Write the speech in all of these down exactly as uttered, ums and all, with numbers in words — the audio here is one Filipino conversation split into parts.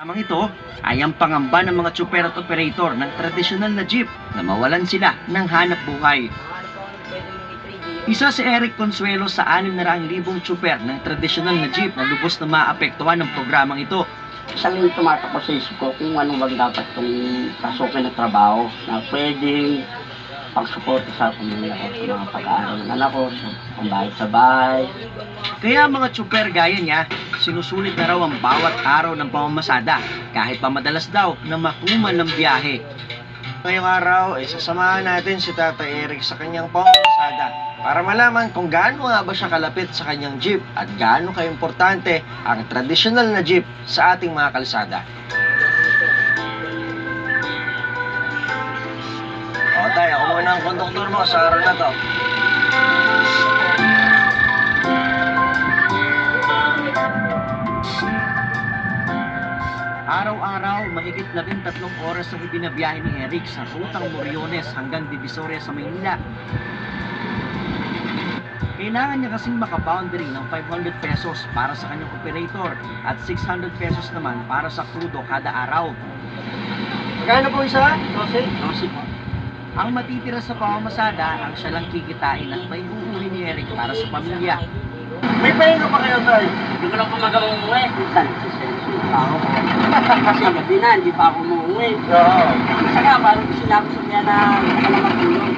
Amang ito ay ang pangamba ng mga tsuper at operator ng tradisyonal na jeep na mawalan sila ng hanap buhay. Isa si Eric Consuelo sa anim na raang libong tsuper ng tradisyonal na jeep na lubos na maapektuhan ng programang ito. Isang tumatakbo sa isip ko kung ano bang dapat itong pasukin na trabaho na pwedeng pagsuporta sa pamilya ko, sa mga pag-aaral ng anak ko, sa pambayad sa bahay. Kaya mga tsuper gaya niya, sinusulit na raw ang bawat araw ng pamamasada kahit pa madalas daw na makuman ng biyahe. Ngayong araw ay sasamahan natin si Tatay Eric sa kanyang pamamasada para malaman kung gaano nga ba siya kalapit sa kanyang jeep at gaano kaimportante ang tradisyonal na jeep sa ating mga kalsada. O tayo, ako muna ang konduktor mo sa araw na to. Araw-araw, mahigit labing tatlong oras ang ibinabiyahe ni Eric sa rutang Moriones hanggang Divisoria sa Maynila. Kailangan niya kasing makaboundary ng five hundred pesos para sa kanyang operator at six hundred pesos naman para sa krudo kada araw. Magkano po isa? Jose? Kasi po, Ang matitira sa pamamasada ang siya lang kikitain at may uuwi ni Eric para sa pamilya. May pahinga pa kayo, Tay? hindi ko lang po magawang umuwi. Minsan, sisensin pa ako. Kasi gabi na, hindi pa ako umuwi. Oo. Isa nga, parang sinabi sa niya na hindi ka na matulog.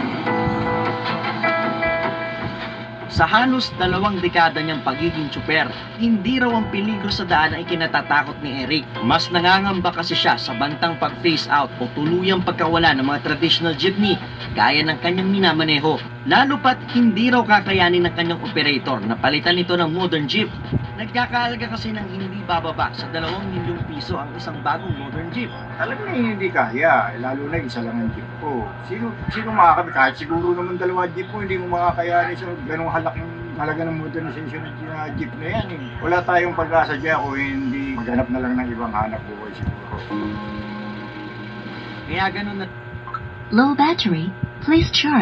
Sa halos dalawang dekada niyang pagiging tsuper, hindi raw ang peligro sa daan ay kinatatakot ni Eric. Mas nangangamba kasi siya sa bantang pag-phase out o tuluyang pagkawala ng mga traditional jeepney gaya ng kanyang minamaneho. Lalo pat hindi raw kakayanin ng kanyang operator na palitan ito ng modern jeep. Nagkakaalaga kasi ng hindi bababa sa dalawang milyong piso ang isang bagong modern jeep. Alam na hindi kaya, eh, lalo na isa lang ang jeep ko. Sino, sino makakabit? Kahit siguro naman dalawa jeep ko, hindi mo makakayanin sa ganong halaking halaga ng modernization ng uh, jeep na yan. Eh. Wala tayong pag-asa dyan kung hindi maghanap na lang ng ibang hanap buhay siguro. Kaya ganun na Low battery, please charge.